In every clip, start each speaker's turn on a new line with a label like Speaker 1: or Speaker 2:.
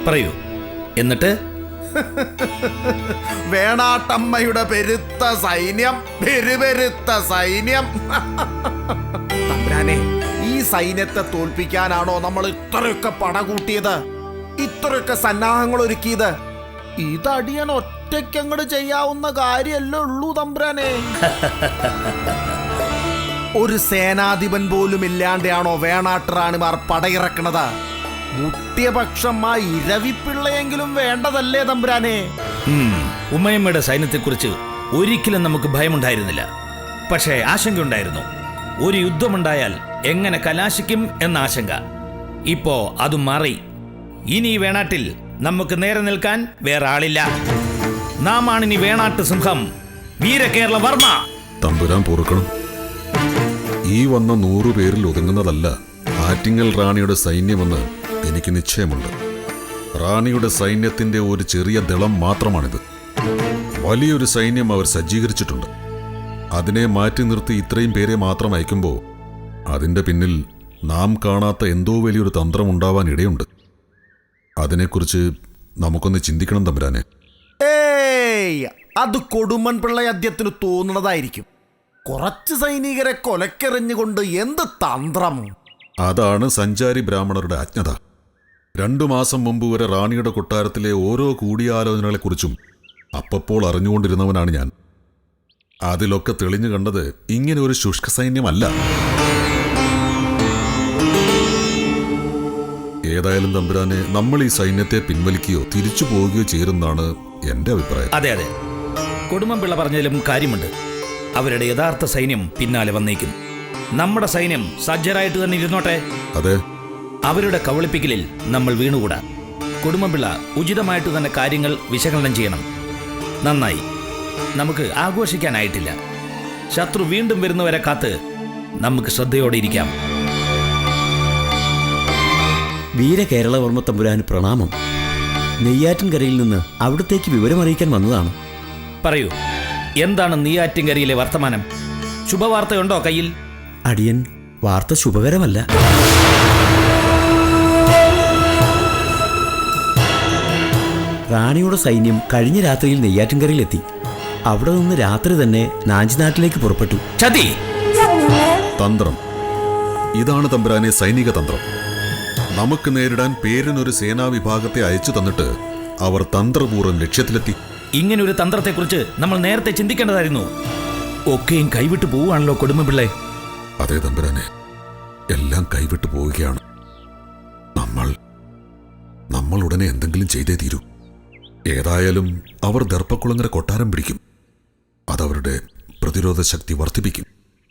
Speaker 1: പറയൂ. എന്നിട്ട്
Speaker 2: വേണാട്ടമ്മയുടെ പെരുത്ത സൈന്യം, പെരുത്ത സൈന്യം. തമ്പുരാനെ, ഈ സൈന്യത്തെ തോൽപ്പിക്കാനാണോ നമ്മൾ ഇത്രയൊക്കെ പടകൂട്ടിയത്, ഇത്രയൊക്കെ സന്നാഹങ്ങൾ ഒരുക്കിയത്? ഇതടിയൻ ഒറ്റയ്ക്കങ്ങട് ചെയ്യാവുന്ന കാര്യമല്ലേ ഉള്ളൂ തമ്പുരാനെ. ഒരു സേനാധിപൻ പോലും ഇല്ലാണ്ടാണോ വേണാട്ടുറാണിമാർ പടയിറക്കണത്? മുട്ടിയപക്ഷം ആ ഇരവിപ്പിള്ളയെങ്കിലും വേണ്ടതല്ലേ തമ്പുരാനെ?
Speaker 1: ഉമ്മയമ്മയുടെ സൈന്യത്തെക്കുറിച്ച് ഒരിക്കലും നമുക്ക് ഭയമുണ്ടായിരുന്നില്ല. പക്ഷേ ആശങ്കയുണ്ടായിരുന്നു. ഒരു യുദ്ധമുണ്ടായാൽ എങ്ങനെ കലാശിക്കും എന്ന ആശങ്ക. ഇപ്പോ അതും മാറി. ഇനി ഈ വേണാട്ടിൽ നമുക്ക് നേരെ നിൽക്കാൻ വേറെ ആളില്ല. നാം ആണിനി വേണാട്ട് സിംഹം, വീരകേരള വർമ്മ.
Speaker 3: തമ്പുരാൻ പൊറുക്കണം. ഈ വന്ന 100 പേരിൽ ഒതുങ്ങുന്നതല്ല ആറ്റിങ്ങൽ റാണിയുടെ സൈന്യമെന്ന് എനിക്ക് നിശ്ചയമുണ്ട്. റാണിയുടെ സൈന്യത്തിന്റെ ഒരു ചെറിയ ദളം മാത്രമാണിത്. വലിയൊരു സൈന്യം അവർ സജ്ജീകരിച്ചിട്ടുണ്ട്. അതിനെ മാറ്റി നിർത്തി ഇത്രയും പേരെ മാത്രം അയക്കുമ്പോൾ അതിന്റെ പിന്നിൽ നാം കാണാത്ത എന്തോ വലിയൊരു തന്ത്രമുണ്ടാവാൻ ഇടയുണ്ട്. അതിനെക്കുറിച്ച് നമുക്കൊന്ന് ചിന്തിക്കണം തമ്പുരാനെ.
Speaker 2: ഏയ്, അത് കൊടുമൺ പിള്ളയദ്യത്തിന് തോന്നുന്നതായിരിക്കും. കുറച്ച് സൈനികരെ കൊലക്കെറിഞ്ഞുകൊണ്ട് എന്ത് തന്ത്രം?
Speaker 3: അതാണ് സഞ്ചാരി ബ്രാഹ്മണരുടെ അജ്ഞത. 2 മാസം മുമ്പ് വരെ റാണിയുടെ കൊട്ടാരത്തിലെ ഓരോ കൂടിയാലോചനകളെക്കുറിച്ചും അപ്പപ്പോൾ അറിഞ്ഞുകൊണ്ടിരുന്നവനാണ് ഞാൻ. അതിലൊക്കെ തെളിഞ്ഞു കണ്ടത് ഇങ്ങനെ ഒരു ശുഷ്ക സൈന്യമല്ല. ഏതായാലും തമ്പുരാനെ, നമ്മൾ ഈ സൈന്യത്തെ പിൻവലിക്കുകയോ തിരിച്ചു പോവുകയോ ചെയ്യുമെന്നാണ് എന്റെ അഭിപ്രായം.
Speaker 1: അതെ അതെ, കൊടുമൺപിള്ള പറഞ്ഞതിലും കാര്യമുണ്ട്. അവരുടെ യഥാർത്ഥ സൈന്യം പിന്നാലെ വന്നേക്കും. നമ്മുടെ സൈന്യം സജ്ജരായിട്ട് തന്നെ ഇരുന്നോട്ടെ.
Speaker 3: അതെ,
Speaker 1: അവരുടെ കവളിപ്പിക്കലിൽ നമ്മൾ വീണുകൂടാ. കൊടുമൺപിള്ള ഉചിതമായിട്ട് തന്നെ കാര്യങ്ങൾ വിശകലനം ചെയ്യണം. നന്നായി. നമുക്ക് ആഘോഷിക്കാനായിട്ടില്ല. ശത്രു വീണ്ടും വരുന്നവരെ കാത്ത് നമുക്ക് ശ്രദ്ധയോടെ ഇരിക്കാം.
Speaker 4: വീരകേരളവർമ്മ തമ്പുരാന് പ്രണാമം. നെയ്യാറ്റിൻകരയിൽ നിന്ന് അവിടത്തേക്ക് വിവരമറിയിക്കാൻ വന്നതാണ്.
Speaker 1: പറയൂ, എന്താണ് നെയ്യാറ്റിൻകരയിലെ വർത്തമാനം? ശുഭവാർത്തയുണ്ടോ കയ്യിൽ?
Speaker 4: അടിയൻ, വാർത്ത ശുഭകരമല്ല. റാണിയുടെ സൈന്യം കഴിഞ്ഞ രാത്രിയിൽ നെയ്യാറ്റിൻകരയിലെത്തി. അവിടെ നിന്ന് രാത്രി തന്നെ നാഞ്ചിനാട്ടിലേക്ക് പുറപ്പെട്ടു.
Speaker 1: ചതി!
Speaker 3: തന്ത്രം. ഇതാണ് തമ്പുരാനെ സൈനിക തന്ത്രം. നമുക്ക് നേരിടാൻ പേരിനൊരു സേനാവിഭാഗത്തെ അയച്ചു തന്നിട്ട് അവർ തന്ത്രപൂർവ്വം ലക്ഷ്യത്തിലെത്തി.
Speaker 1: ഇങ്ങനൊരു തന്ത്രത്തെക്കുറിച്ച് നമ്മൾ നേരത്തെ ചിന്തിക്കേണ്ടതായിരുന്നു. ഒക്കെയും കൈവിട്ടു പോവുകയാണല്ലോ കൊടുമൺപിള്ളേ.
Speaker 3: അതേ തമ്പുരാനെ, എല്ലാം കൈവിട്ടു പോവുകയാണ്. നമ്മൾ ഉടനെ എന്തെങ്കിലും ചെയ്തേ തീരൂ. ഏതായാലും അവർ ദർപ്പക്കുളങ്ങര കൊട്ടാരം പിടിക്കും. അതവരുടെ പ്രതിരോധ ശക്തി വർദ്ധിപ്പിക്കും.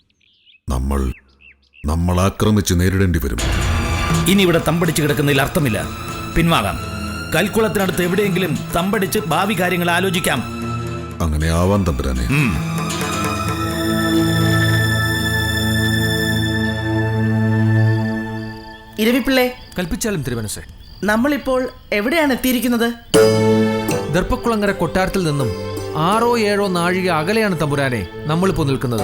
Speaker 3: നമ്മൾ ആക്രമിച്ച് നേരിടേണ്ടി വരും.
Speaker 1: ഇനി ഇവിടെ തമ്പടിച്ച് കിടക്കുന്നതിൽ അർത്ഥമില്ല. പിൻവാങ്ങാം. കൽക്കുളത്തിനടുത്ത് എവിടെയെങ്കിലും തമ്പടിച്ച് ഭാവി കാര്യങ്ങൾ ആലോചിക്കാം.
Speaker 3: അങ്ങനെ ആവാൻ തമ്പുരാനെ.
Speaker 5: ഇരവിപ്പിള്ളേ,
Speaker 6: കൽപ്പിച്ചാലും തിരുമനസ്സേ.
Speaker 5: നമ്മളിപ്പോൾ എവിടെയാണ് എത്തിയിരിക്കുന്നത്?
Speaker 6: ദർപ്പക്കുളങ്ങര കൊട്ടാരത്തിൽ നിന്നും 6-7 നാഴിക അകലെയാണ് തമ്പുരാനെ നമ്മളിപ്പോൾ നിൽക്കുന്നത്.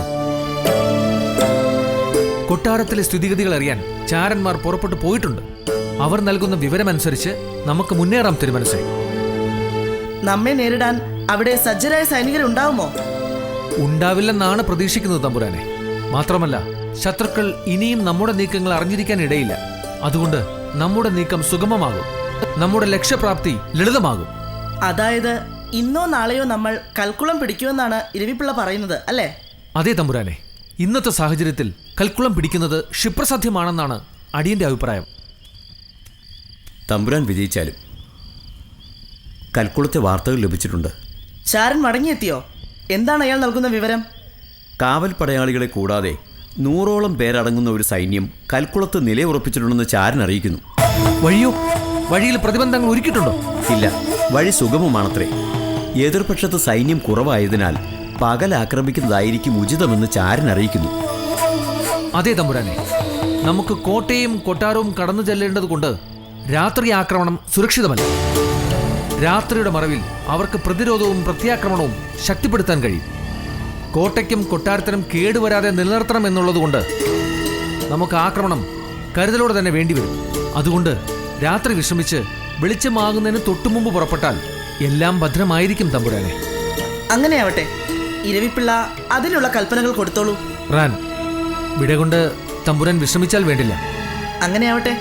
Speaker 6: കൊട്ടാരത്തിലെ സ്ഥിതിഗതികൾ അറിയാൻ ചാരന്മാർ പുറപ്പെട്ടു പോയിട്ടുണ്ട്. അവർ നൽകുന്ന വിവരമനുസരിച്ച് നമുക്ക് മുന്നേറാം തിരുമനസ്സേ.
Speaker 5: നമ്മെ നേരിടാൻ അവിടെ സജ്ജരായ സൈനികരുണ്ടാവുമോ?
Speaker 6: ഉണ്ടാവില്ലെന്നാണ് പ്രതീക്ഷിക്കുന്നത് തമ്പുരാനെ. മാത്രമല്ല, ശത്രുക്കൾ ഇനിയും നമ്മുടെ നീക്കങ്ങൾ അറിഞ്ഞിരിക്കാൻ ഇടയില്ല. അതുകൊണ്ട് നമ്മുടെ നീക്കം സുഗമമാകും. നമ്മുടെ ലക്ഷ്യപ്രാപ്തി ലളിതമാകും.
Speaker 5: അതായത് ഇന്നോ നാളെയോ നമ്മൾ കൽക്കുളം പിടിക്കുമെന്നാണ് ഇരവിപ്പിള്ള പറയുന്നത്, അല്ലേ?
Speaker 6: അതെ തമ്പുരാനെ, ഇന്നത്തെ സാഹചര്യത്തിൽ കൽക്കുളം പിടിക്കുന്നത് ക്ഷിപ്രസാധ്യമാണെന്നാണ് അടിയന്റെ അഭിപ്രായം.
Speaker 4: തമ്പുരാൻ വിജയിച്ചാലും കൽക്കുളത്തെ വാർത്തകൾ ലഭിച്ചിട്ടുണ്ട്.
Speaker 5: ചാരൻ മടങ്ങിയെത്തിയോ? എന്താണ് അയാൾ നൽകുന്ന വിവരം?
Speaker 4: കാവൽ പടയാളികളെ കൂടാതെ 100ഓളം പേരടങ്ങുന്ന ഒരു സൈന്യം കൽക്കുളത്ത് നിലയുറപ്പിച്ചിട്ടുണ്ടെന്ന് ചാരൻ അറിയിക്കുന്നു.
Speaker 6: വഴിയിൽ പ്രതിബന്ധങ്ങൾ ഒരുക്കിയിട്ടുണ്ടോ?
Speaker 4: ഇല്ല, വഴി സുഗമമാണത്രേ. എതിർപക്ഷത്ത് സൈന്യം കുറവായതിനാൽ പകൽ ആക്രമിക്കുന്നതായിരിക്കും ഉചിതമെന്ന് ചാരൻ അറിയിക്കുന്നു.
Speaker 6: അതെ തമ്പുരാനെ, നമുക്ക് കോട്ടയും കൊട്ടാരവും കടന്നു ചെല്ലേണ്ടതുകൊണ്ട് രാത്രി ആക്രമണം സുരക്ഷിതമല്ല. രാത്രിയുടെ മറവിൽ അവർക്ക് പ്രതിരോധവും പ്രത്യാക്രമണവും ശക്തിപ്പെടുത്താൻ കഴിയും. കോട്ടയ്ക്കും കൊട്ടാരത്തിനും കേടുവരാതെ നിലനിർത്തണം എന്നുള്ളതുകൊണ്ട് നമുക്ക് ആക്രമണം കരുതലോടെ തന്നെ വേണ്ടിവരും. അതുകൊണ്ട് രാത്രി വിശ്രമിച്ച് വെളിച്ചമാകുന്നതിന് തൊട്ടുമുമ്പ് പുറപ്പെട്ടാൽ എല്ലാം ഭദ്രമായിരിക്കും തമ്പുരാനെ.
Speaker 5: അങ്ങനെയാവട്ടെ. ഇരവിപ്പിള്ള അതിനുള്ള കൽപ്പനകൾ കൊടുത്തോളൂ.
Speaker 6: റാൻ, വിട കൊണ്ട് തമ്പുരാൻ വിശ്രമിച്ചാൽ വേണ്ടില്ല.
Speaker 5: അങ്ങനെയാവട്ടെ.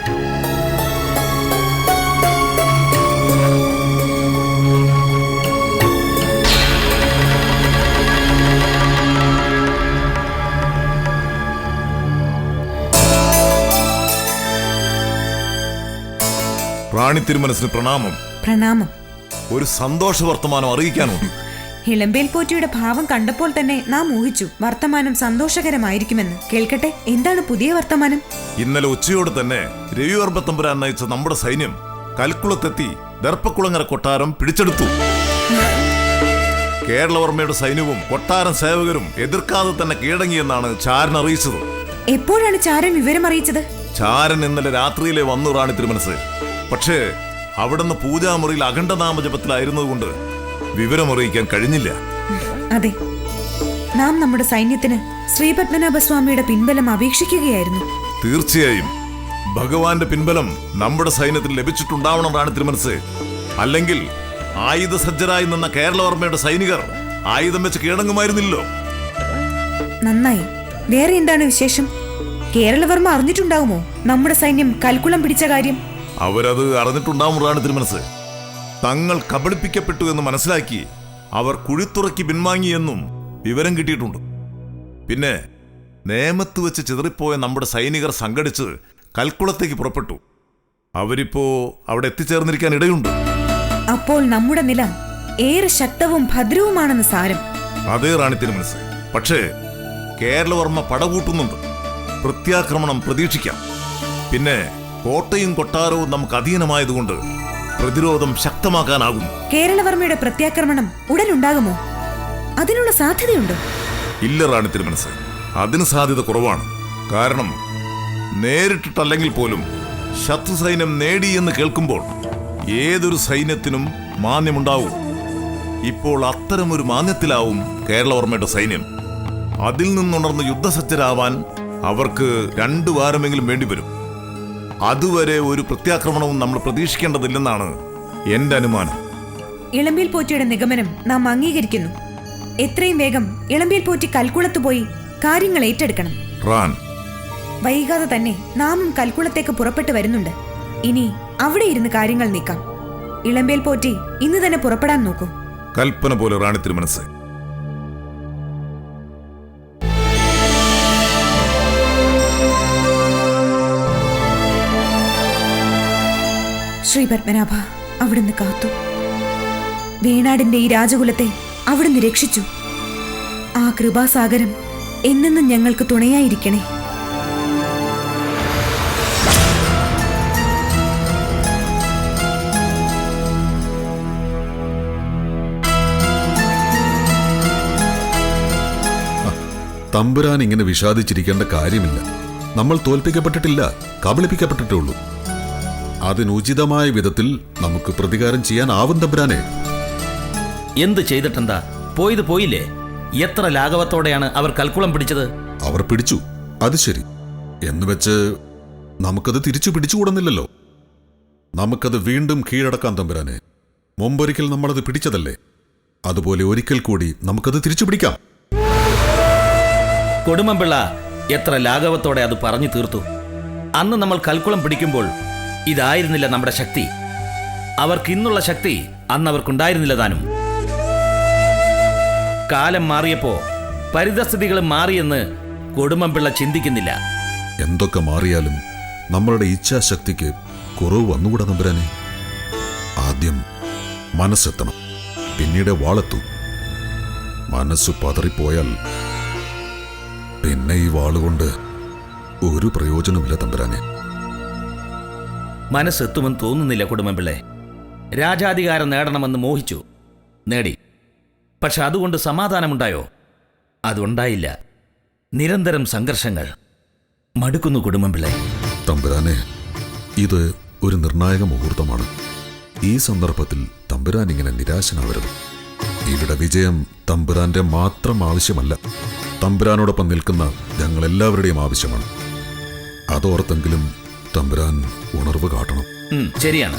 Speaker 7: റാണി തിരുമനസിന് പ്രണാമം.
Speaker 8: പ്രണാമം.
Speaker 7: ഒരു സന്തോഷ വർത്തമാനം അറിയിക്കാനുണ്ട്.
Speaker 8: ഇളമ്പേൽ പോറ്റിയുടെ ഭാവം കണ്ടപ്പോൾ തന്നെ നാം ഊഹിച്ചു വർത്തമാനം സന്തോഷകരമായിരിക്കുമെന്ന്. കേൾക്കട്ടെ, എന്താണ് പുതിയ വർത്തമാനം?
Speaker 7: ഇന്നലെ ഉച്ചയോടെ തന്നെ രവിവർമ്മത്തമ്പുരാൻ നയിച്ച നമ്മുടെ സൈന്യം കൽക്കുളത്തെത്തി ദർപ്പക്കുളങ്ങര കൊട്ടാരം പിടിച്ചെടുത്തു. കേരളവർമ്മയുടെ സൈന്യവും കൊട്ടാരം സേവകരും എതിർക്കാതെ തന്നെ കീഴടങ്ങിയെന്നാണ് ചാരൻ അറിയിച്ചത്.
Speaker 8: എപ്പോഴാണ് ചാരൻ വിവരം അറിയിച്ചത്?
Speaker 7: ചാരൻ ഇന്നലെ രാത്രിയിലെ വന്നു റാണി തിരുമനസ്. പക്ഷേ അവിടുന്ന് പൂജാമുറിയിൽ അഖണ്ഡനാമജപത്തിലായിരുന്നതുകൊണ്ട് വിവരമറിയിക്കാൻ കഴിഞ്ഞില്ല.
Speaker 8: അതെ, നാം നമ്മുടെ സൈന്യത്തിന് ശ്രീപത്മനാഭസ്വാമിയുടെ പിൻബലം അപേക്ഷിക്കുകയായിരുന്നു.
Speaker 7: തീർച്ചയായും ഭഗവാന്റെ പിൻബലം നമ്മുടെ സൈന്യത്തിൽ ലഭിച്ചിട്ടുണ്ടാവണം റാണി തിരുമനസ്. അല്ലെങ്കിൽ ആയുധസജ്ജരായി നിന്ന കേരളവർമ്മയുടെ സൈനികർ ആയുധം വെച്ച് കീഴടങ്ങുമായിരുന്നില്ലോ.
Speaker 8: നന്നായി. വേറെ എന്താണ് വിശേഷം? കേരളവർമ്മ അറിഞ്ഞിട്ടുണ്ടാവുമോ നമ്മുടെ സൈന്യം കൽക്കുളം പിടിച്ച കാര്യം?
Speaker 7: അവരത് അറിഞ്ഞിട്ടുണ്ടാവും റാണി തിരുമനസ്. തങ്ങൾ കബളിപ്പിക്കപ്പെട്ടു എന്ന് മനസ്സിലാക്കി അവർ കുഴിത്തുറക്കി പിൻവാങ്ങിയെന്നും വിവരം കിട്ടിയിട്ടുണ്ട്. പിന്നെ നേമത്ത് വെച്ച് ചിതറിപ്പോയ നമ്മുടെ സൈനികർ സംഘടിച്ച് കൽക്കുളത്തേക്ക് പുറപ്പെട്ടു. അവരിപ്പോ അവിടെ എത്തിച്ചേർന്നിരിക്കാൻ ഇടയുണ്ട്.
Speaker 8: അപ്പോൾ നമ്മുടെ നില ഏറെ ശക്തവും ഭദ്രവുമാണെന്ന് സാരം.
Speaker 7: അതേ റാണി തിരുമനസ്. പക്ഷേ കേരളവർമ്മ പടകൂട്ടുന്നുണ്ട്. പ്രത്യാക്രമണം പ്രതീക്ഷിക്കാം. പിന്നെ കോട്ടയും കൊട്ടാരവും നമുക്ക് അധീനമായതുകൊണ്ട് പ്രതിരോധം ശക്തമാക്കാനാകും.
Speaker 8: കേരളവർമ്മയുടെ പ്രത്യാക്രമണം ഉടനുണ്ടാകുമോ? അതിനുള്ള സാധ്യതയുണ്ടോ?
Speaker 7: ഇല്ല റാണി തിരുമനസ്, അതിന് സാധ്യത കുറവാണ്. കാരണം നേരിട്ടിട്ടല്ലെങ്കിൽ പോലും ശത്രു സൈന്യം നേടിയെന്ന് കേൾക്കുമ്പോൾ ഏതൊരു സൈന്യത്തിനും മാന്യമുണ്ടാവും. ഇപ്പോൾ അത്തരമൊരു മാന്യത്തിലാവും കേരളവർമ്മയുടെ സൈന്യം. അതിൽ നിന്നുണർന്ന് യുദ്ധസജ്ജരാവാൻ അവർക്ക് 2 വാരമെങ്കിലും വേണ്ടിവരും. അതുവരെ ഒരു പ്രത്യാക്രമണവും നമ്മൾ പ്രതീക്ഷിക്കേണ്ടതില്ലെന്നാണ് എന്റെ അനുമാനം.
Speaker 8: ഇളമ്പേൽ പോറ്റിയുടെ നിഗമനം നാം അംഗീകരിക്കുന്നു. എത്രയും വേഗം ഇളമ്പേൽ പോറ്റി കൽക്കുളത്ത് പോയി കാര്യങ്ങൾ ഏറ്റെടുക്കണം.
Speaker 7: റാൻ,
Speaker 8: വൈകാതെ തന്നെ നാമും കൽക്കുളത്തേക്ക് പുറപ്പെട്ടു വരുന്നുണ്ട്. ഇനി അവിടെ ഇരുന്ന് കാര്യങ്ങൾ നീക്കാം. ഇളമ്പേൽ പോറ്റി ഇന്ന് തന്നെ പുറപ്പെടാൻ നോക്കൂ.
Speaker 7: കൽപ്പന പോലെ റാണി തിരുമനസ്.
Speaker 8: ശ്രീ പത്മനാഭ, അവിടുന്ന് കാത്തു. വേണാടിന്റെ ഈ രാജകുലത്തെ അവിടുന്ന് രക്ഷിച്ചു. ആ കൃപാസാഗരം എന്നെന്നും ഞങ്ങൾക്ക് തുണയായിരിക്കണേ.
Speaker 3: തമ്പുരാൻ ഇങ്ങനെ വിഷാദിച്ചിരിക്കേണ്ട കാര്യമില്ല. നമ്മൾ തോൽപ്പിക്കപ്പെട്ടിട്ടില്ല, കബളിപ്പിക്കപ്പെട്ടിട്ടേ ഉള്ളൂ. അതിനുചിതമായ വിധത്തിൽ നമുക്ക് പ്രതികാരം ചെയ്യാനാവും തമ്പുരാനെ.
Speaker 1: എന്ത് ചെയ്തിട്ടെന്താ? പോയത് പോയില്ലേ? എത്ര ലാഘവത്തോടെയാണ് അവർ കൽക്കുളം പിടിച്ചത്.
Speaker 3: അവർ പിടിച്ചു, അത് ശരി. എന്നുവെച്ച് നമുക്കത് തിരിച്ചു പിടിച്ചുകൂടുന്നില്ലല്ലോ. നമുക്കത് വീണ്ടും കീഴടക്കാൻ തമ്പുരാനെ. മുമ്പൊരിക്കൽ നമ്മളത് പിടിച്ചതല്ലേ, അതുപോലെ ഒരിക്കൽ കൂടി നമുക്കത് തിരിച്ചു പിടിക്കാം.
Speaker 1: കൊടുമൻപിള്ള എത്ര ലാഘവത്തോടെ അത് പറഞ്ഞു തീർത്തു. അന്ന് നമ്മൾ കൽക്കുളം പിടിക്കുമ്പോൾ ഇതായിരുന്നില്ല നമ്മുടെ ശക്തി. അവർക്ക് ഇന്നുള്ള ശക്തി അന്ന് അവർക്കുണ്ടായിരുന്നില്ല താനും. കാലം മാറിയപ്പോ പരിതസ്ഥിതികളും മാറിയെന്ന് കൊടുമൻപിള്ള ചിന്തിക്കുന്നില്ല.
Speaker 3: എന്തൊക്കെ മാറിയാലും നമ്മളുടെ ഇച്ഛാശക്തിക്ക് കുറവ് വന്നുകൂടാ തമ്പുരാനെ. ആദ്യം മനസ്സെത്തണം, പിന്നീട് വാളെത്തൂ. മനസ്സ് പതറിപ്പോയാൽ പിന്നെ ഈ വാളുകൊണ്ട് ഒരു പ്രയോജനമില്ല തമ്പുരാനെ.
Speaker 1: മനസ്സെത്തുമെന്ന് തോന്നുന്നില്ല കൊടുമൻപിള്ളെ. രാജാധികാരം നേടണമെന്ന് മോഹിച്ചു, നേടി. പക്ഷെ അതുകൊണ്ട് സമാധാനമുണ്ടായോ? അതുണ്ടായില്ല. നിരന്തരം സംഘർഷങ്ങൾ. മടുക്കുന്നു കൊടുമൻപിള്ളെ.
Speaker 3: തമ്പുരാനെ, ഇത് ഒരു നിർണായക മുഹൂർത്തമാണ്. ഈ സന്ദർഭത്തിൽ തമ്പുരാൻ ഇങ്ങനെ നിരാശനാവരുത്. ഇവിടെ വിജയം തമ്പുരാന്റെ മാത്രം ആവശ്യമല്ല, തമ്പുരാനോടൊപ്പം നിൽക്കുന്ന ഞങ്ങളെല്ലാവരുടെയും ആവശ്യമാണ്. അതോർത്തെങ്കിലും തമ്പുരാൻ ഉണർവ് കാട്ടണം.
Speaker 1: ശരിയാണ്.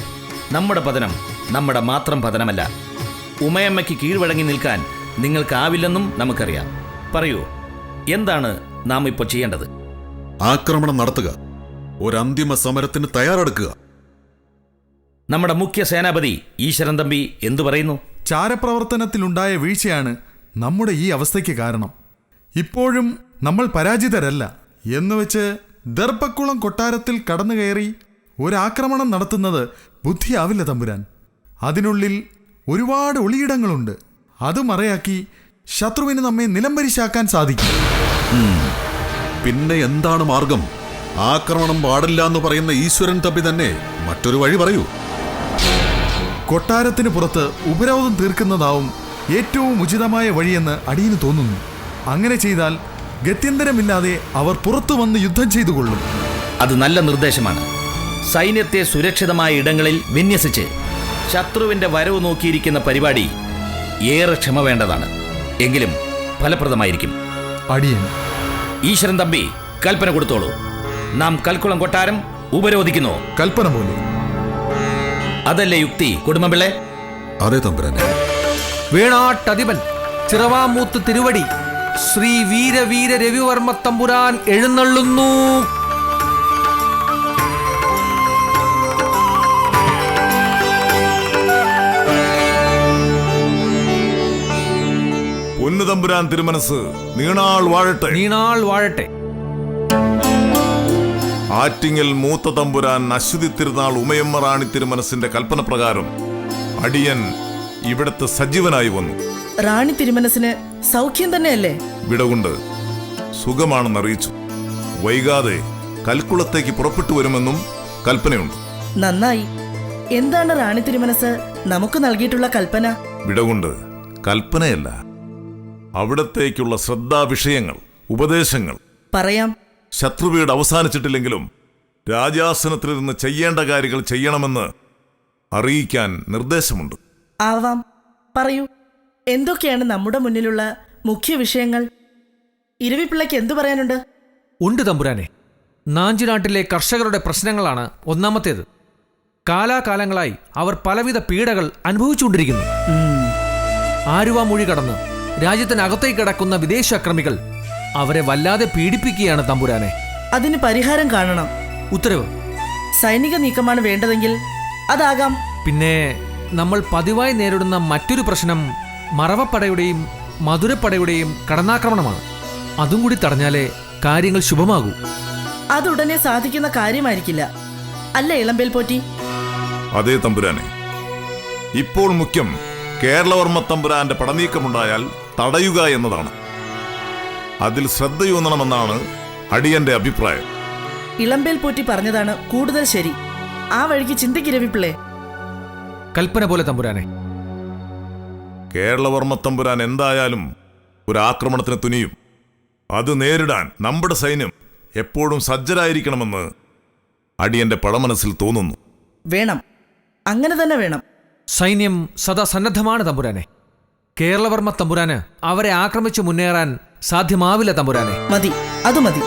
Speaker 1: നമ്മുടെ പതനം നമ്മുടെ മാത്രം പതനമല്ല. ഉമയമ്മയ്ക്ക് കീഴ്വഴങ്ങി നിൽക്കാൻ നിങ്ങൾക്കാവില്ലെന്നും നമുക്കറിയാം. പറയൂ, എന്താണ് നാം ഇപ്പോൾ ചെയ്യേണ്ടത്?
Speaker 3: ആക്രമണം നടത്തുക, ഒരു അന്തിമ സമരത്തിന് തയ്യാറെടുക്കുക.
Speaker 1: നമ്മുടെ മുഖ്യ സേനാപതി ഈശ്വരൻ തമ്പി എന്തു പറയുന്നു?
Speaker 9: ചാരപ്രവർത്തനത്തിലുണ്ടായ വീഴ്ചയാണ് നമ്മുടെ ഈ അവസ്ഥയ്ക്ക് കാരണം. ഇപ്പോഴും നമ്മൾ പരാജിതരല്ല എന്നുവെച്ച് ദർഭക്കുളം കൊട്ടാരത്തിൽ കടന്നു കയറി ഒരാക്രമണം നടത്തുന്നത് ബുദ്ധിയാവില്ല തമ്പുരാൻ. അതിനുള്ളിൽ ഒരുപാട് ഒളിയിടങ്ങളുണ്ട്. അത് മറയാക്കി ശത്രുവിന് നമ്മെ നിലംപരിശാക്കാൻ സാധിക്കും.
Speaker 3: പിന്നെ എന്താണ് മാർഗം? ആക്രമണം പാടില്ല എന്ന് പറയുന്ന ഈശ്വരൻ തമ്പി തന്നെ മറ്റൊരു വഴി പറയൂ.
Speaker 9: കൊട്ടാരത്തിന് പുറത്ത് ഉപരോധം തീർക്കുന്നതാവും ഏറ്റവും ഉചിതമായ വഴിയെന്ന് അടിയന് തോന്നുന്നു. അങ്ങനെ ചെയ്താൽ ഗത്യന്തരമില്ലാതെ അവർ പുറത്തു വന്ന് യുദ്ധം ചെയ്തുകൊള്ളും.
Speaker 1: അത് നല്ല നിർദ്ദേശമാണ്. സൈന്യത്തെ സുരക്ഷിതമായ ഇടങ്ങളിൽ വിന്യസിച്ച് ശത്രുവിന്റെ വരവ് നോക്കിയിരിക്കുന്ന പരിപാടി ഏറെ ക്ഷമ വേണ്ടതാണ്. എങ്കിലും ഫലപ്രദമായിരിക്കും.
Speaker 9: അടിയൻ.
Speaker 1: ഈശ്വരൻ തമ്പി കൽപ്പന കൊടുത്തോളൂ. നാം കൽക്കുളം കൊട്ടാരം ഉപരോധിക്കുന്നു.
Speaker 9: കൽപ്പന പോലെ.
Speaker 1: അതല്ലേ യുക്തി, കുടുംബപിള്ളെ?
Speaker 3: അതെ തമ്പുരാനെ.
Speaker 6: വേണാട്ടധിപൻ ചിറവാമൂത്ത് തിരുവടി ശ്രീ വീരവീര രവിവർമ്മ തമ്പുരാൻ എഴുന്നള്ളുന്നു.
Speaker 7: പൊന്നുതമ്പുരാൻ തിരുമനസ് നീണാൾ വാഴട്ടെ.
Speaker 6: നീണാൾ വാഴട്ടെ.
Speaker 7: ആറ്റിങ്ങൽ മൂത്ത തമ്പുരാൻ അശ്വതി തിരുനാൾ ഉമയമ്മ റാണി തിരുമനസിന്റെ കൽപ്പന പ്രകാരം അടിയൻ ഇവിടത്തെ സജീവനായി വന്നു.
Speaker 5: റാണി തിരുമനസിന് സൗഖ്യം തന്നെയല്ലേ?
Speaker 7: വിടകൊണ്ട് സുഖമാണെന്നറിയിച്ചു. വൈകാതെ കൽക്കുളത്തേക്ക് പുറപ്പെട്ടു വരുമെന്നും കൽപ്പനയുണ്ട്.
Speaker 5: നന്നായി. എന്താണ് റാണി തിരുമനസ് നമുക്ക് നൽകിയിട്ടുള്ള കൽപ്പന?
Speaker 7: വിടകൊണ്ട് കൽപ്പനയല്ല, അവിടത്തേക്കുള്ള ശ്രദ്ധാവിഷയങ്ങൾ, ഉപദേശങ്ങൾ.
Speaker 5: പറയാം.
Speaker 7: ശത്രുവീട് അവസാനിച്ചിട്ടില്ലെങ്കിലും രാജാസനത്തിലിരുന്ന് ചെയ്യേണ്ട കാര്യങ്ങൾ ചെയ്യണമെന്ന് അറിയിക്കാൻ നിർദ്ദേശമുണ്ട്.
Speaker 5: ആവാം, പറയൂ. എന്തൊക്കെയാണ് നമ്മുടെ മുന്നിലുള്ള മുഖ്യ വിഷയങ്ങൾ? ഇരവിപ്പിള്ളയ്ക്ക് എന്തു പറയാനുണ്ട്?
Speaker 6: ഉണ്ട് തമ്പുരാനെ. നാഞ്ചിനാട്ടിലെ കർഷകരുടെ പ്രശ്നങ്ങളാണ് ഒന്നാമത്തേത്. കാലാകാലങ്ങളായി അവർ പലവിധ പീഡകൾ അനുഭവിച്ചുകൊണ്ടിരിക്കുന്നു. ആരുവാമൊഴി കടന്ന് രാജ്യത്തിനകത്തേക്ക് കിടക്കുന്ന വിദേശ അക്രമികൾ അവരെ വല്ലാതെ പീഡിപ്പിക്കുകയാണ് തമ്പുരാനെ.
Speaker 5: അതിന് പരിഹാരം കാണണം.
Speaker 6: ഉത്തരവ്.
Speaker 5: സൈനിക നീക്കമാണ് വേണ്ടതെങ്കിൽ അതാകാം.
Speaker 6: പിന്നെ നമ്മൾ പതിവായി നേരിടുന്ന മറ്റൊരു പ്രശ്നം മറവപ്പടയുടെയും മധുരപ്പടയുടെയും കടന്നാക്രമണമാണ്. അതും കൂടി തടഞ്ഞാലേ കാര്യങ്ങൾ ശുഭമാകൂ.
Speaker 5: അതുടനെ സാധിക്കുന്ന കാര്യമായിരിക്കില്ല, അല്ല ഇളമ്പേൽ പോറ്റി?
Speaker 7: അതേ തമ്പുരാനെ. ഇപ്പോൾ മുഖ്യം കേരളവർമ്മ തമ്പുരാന്റെ പടനീക്കമുണ്ടായാൽ തടയുക എന്നതാണ്. അതിൽ ശ്രദ്ധയൂന്നണമെന്നാണ് അടിയന്റെ അഭിപ്രായം.
Speaker 5: ഇളമ്പേൽ പോറ്റി പറഞ്ഞതാണ് കൂടുതൽ ശരി. ആ വഴിക്ക് ചിന്തിക്കിരവിപ്പിള്ളേ.
Speaker 6: കൽപ്പന പോലെ തമ്പുരാനെ.
Speaker 7: കേരളവർമ്മ തമ്പുരാൻ എന്തായാലും ഒരു ആക്രമണത്തിന് തുനിയും. അത് നേരിടാൻ നമ്മുടെ സൈന്യം എപ്പോഴും സജ്ജരായിരിക്കണമെന്ന് അടിയന്റെ പടമനസ്സിൽ തോന്നുന്നു.
Speaker 5: വേണം, അങ്ങനെ തന്നെ വേണം.
Speaker 6: സൈന്യം സദാ സന്നദ്ധമാണ് തമ്പുരാനെ. കേരളവർമ്മ തമ്പുരാന് അവരെ ആക്രമിച്ചു മുന്നേറാൻ സാധ്യമാവില്ല തമ്പുരാനെ.
Speaker 5: മതി, അത് മതി.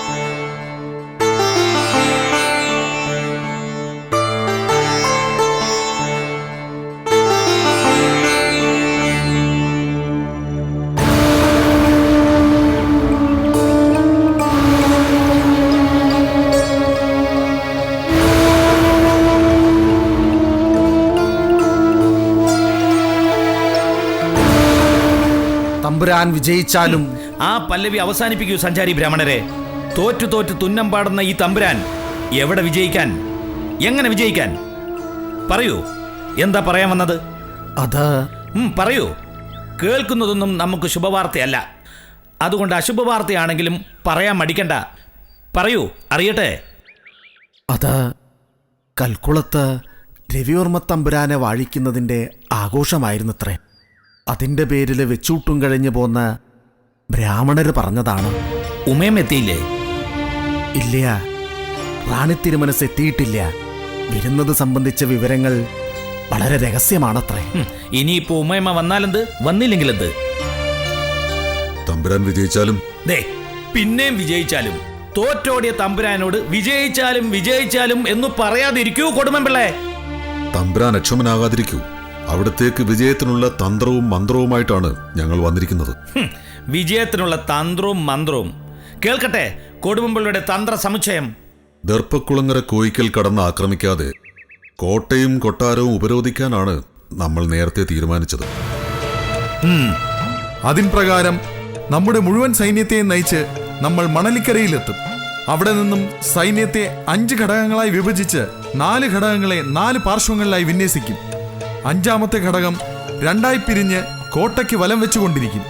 Speaker 2: തമ്പുരാൻ വിജയിച്ചാലും
Speaker 1: ആ പല്ലവി അവസാനിപ്പിക്കൂ സഞ്ചാരി ബ്രാഹ്മണരെ. തോറ്റു തോറ്റു തുന്നം പാടുന്ന ഈ തമ്പുരാൻ എവിടെ വിജയിക്കാൻ, എങ്ങനെ വിജയിക്കാൻ? പറയൂ, എന്താ പറയാൻ വന്നത്?
Speaker 2: അത്
Speaker 1: പറയൂ. കേൾക്കുന്നതൊന്നും നമുക്ക് ശുഭവാർത്തയല്ല. അതുകൊണ്ട് അശുഭവാർത്തയാണെങ്കിലും പറയാൻ മടിക്കണ്ട. പറയൂ, അറിയട്ടെ.
Speaker 2: അത് കൽക്കുളത്ത് രവിവർമ്മ തമ്പുരാനെ വാഴിക്കുന്നതിൻ്റെ ആഘോഷമായിരുന്നത്രേ. അതിൻ്റെ പേരിൽ വെച്ചൂട്ടും കഴിഞ്ഞു പോന്ന ബ്രാഹ്മണര് പറഞ്ഞതാണ്.
Speaker 1: ഉമയം എത്തിയില്ലേ?
Speaker 2: ഇല്ല, റാണി തിരുമനസ് എത്തിയിട്ടില്ല. വരുന്നത് സംബന്ധിച്ച വിവരങ്ങൾ വളരെ രഹസ്യമാണത്രേ.
Speaker 1: ഇനിയിപ്പോ ഉമയമ്മ വന്നാലെന്ത്, വന്നില്ലെങ്കിലെന്ത്?
Speaker 3: തമ്പുരാൻ വിജയിച്ചാലും
Speaker 1: പിന്നെയും വിജയിച്ചാലും തോറ്റോടിയ തമ്പുരാനോട് വിജയിച്ചാലും വിജയിച്ചാലും എന്ന് പറയാതിരിക്കൂ കൊടുമൻപിള്ളേ.
Speaker 3: തമ്പുരാൻ അക്ഷമനാകാതിരിക്കൂ. അവിടത്തേക്ക് വിജയത്തിനുള്ള തന്ത്രവും മന്ത്രവുമായിട്ടാണ് ഞങ്ങൾ വന്നിരിക്കുന്നത്.
Speaker 1: വിജയത്തിനുള്ള തന്ത്രവും മന്ത്രവും കേൾക്കട്ടെ. കൊടുമ്പുള്ളിയുടെ തന്ത്ര സമുച്ചയം.
Speaker 3: ദർപ്പക്കുളങ്ങര കോയിക്കൽ കടന്ന് ആക്രമിക്കാതെ കോട്ടയും കൊട്ടാരവും ഉപരോധിക്കാനാണ് നമ്മൾ നേരത്തെ തീരുമാനിച്ചത്.
Speaker 9: അതിൻ പ്രകാരം നമ്മുടെ മുഴുവൻ സൈന്യത്തെയും നയിച്ച് നമ്മൾ മണലിക്കരയിലെത്തും. അവിടെ നിന്നും സൈന്യത്തെ 5 ഘടകങ്ങളായി വിഭജിച്ച് 4 ഘടകങ്ങളെ 4 പാർശ്വങ്ങളിലായി വിന്യസിക്കും. 5ാമത്തെ ഘടകം 2ആയി പിരിഞ്ഞ് കോട്ടയ്ക്ക് വലം വെച്ചുകൊണ്ടിരിക്കും.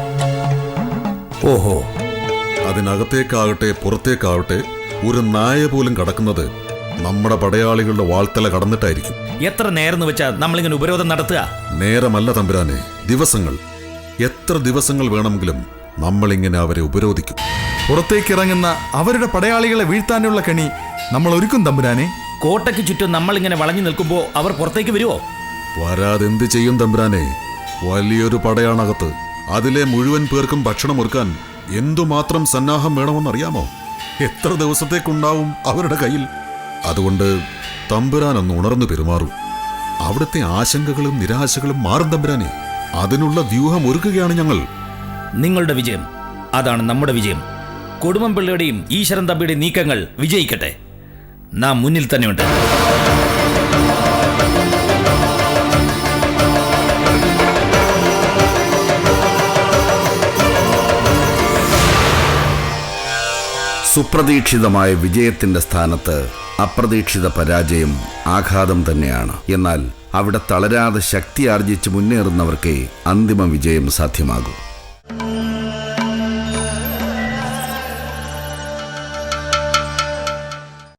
Speaker 1: ഓഹോ.
Speaker 3: അതിനകത്തേക്കാകട്ടെ പുറത്തേക്കാവട്ടെ ഒരു നായ പോലും കടക്കുന്നത് നമ്മുടെ പടയാളികളുടെ വാൾത്തല കടന്നിട്ടായിരിക്കും.
Speaker 1: എത്ര നേരം വെച്ചാൽ നമ്മളിങ്ങനെ ഉപരോധം നടത്തുക?
Speaker 3: നേരമല്ല തമ്പുരാനെ, ദിവസങ്ങൾ. എത്ര ദിവസങ്ങൾ വേണമെങ്കിലും നമ്മളിങ്ങനെ അവരെ ഉപരോധിക്കും.
Speaker 9: പുറത്തേക്കിറങ്ങുന്ന അവരുടെ പടയാളികളെ വീഴ്ത്താനുള്ള കണി നമ്മൾ ഒരുക്കും തമ്പുരാനെ.
Speaker 1: കോട്ടയ്ക്ക് ചുറ്റും നമ്മളിങ്ങനെ വളഞ്ഞു നിൽക്കുമ്പോൾ അവർ പുറത്തേക്ക് വരുമോ?
Speaker 3: വരാതെന്ത് ചെയ്യും തമ്പുരാനെ? വലിയൊരു പടയാണകത്ത്. അതിലെ മുഴുവൻ പേർക്കും ഭക്ഷണം ഒരുക്കാൻ എന്തുമാത്രം സന്നാഹം വേണമെന്നറിയാമോ? എത്ര ദിവസത്തേക്കുണ്ടാവും അവരുടെ കയ്യിൽ? അതുകൊണ്ട് തമ്പുരാനൊന്ന് ഉണർന്നു പെരുമാറും. അവിടുത്തെ ആശങ്കകളും നിരാശകളും മാറും തമ്പുരാനെ. അതിനുള്ള വ്യൂഹം ഒരുക്കുകയാണ് ഞങ്ങൾ.
Speaker 1: നിങ്ങളുടെ വിജയം അതാണ് നമ്മുടെ വിജയം. കൊടുമ്പുള്ളിയുടെയും ഈശ്വരൻ തമ്പിയുടെയും നീക്കങ്ങൾ വിജയിക്കട്ടെ. നാം മുന്നിൽ തന്നെയുണ്ട്.
Speaker 10: സുപ്രതീക്ഷിതമായ വിജയത്തിന്റെ സ്ഥാനത്ത് അപ്രതീക്ഷിത പരാജയം ആഘാതം തന്നെയാണ്. എന്നാൽ അവിടെ തളരാതെ ശക്തി ആർജിച്ച് മുന്നേറുന്നവർക്കേ അന്തിമ വിജയം സാധ്യമാകൂ.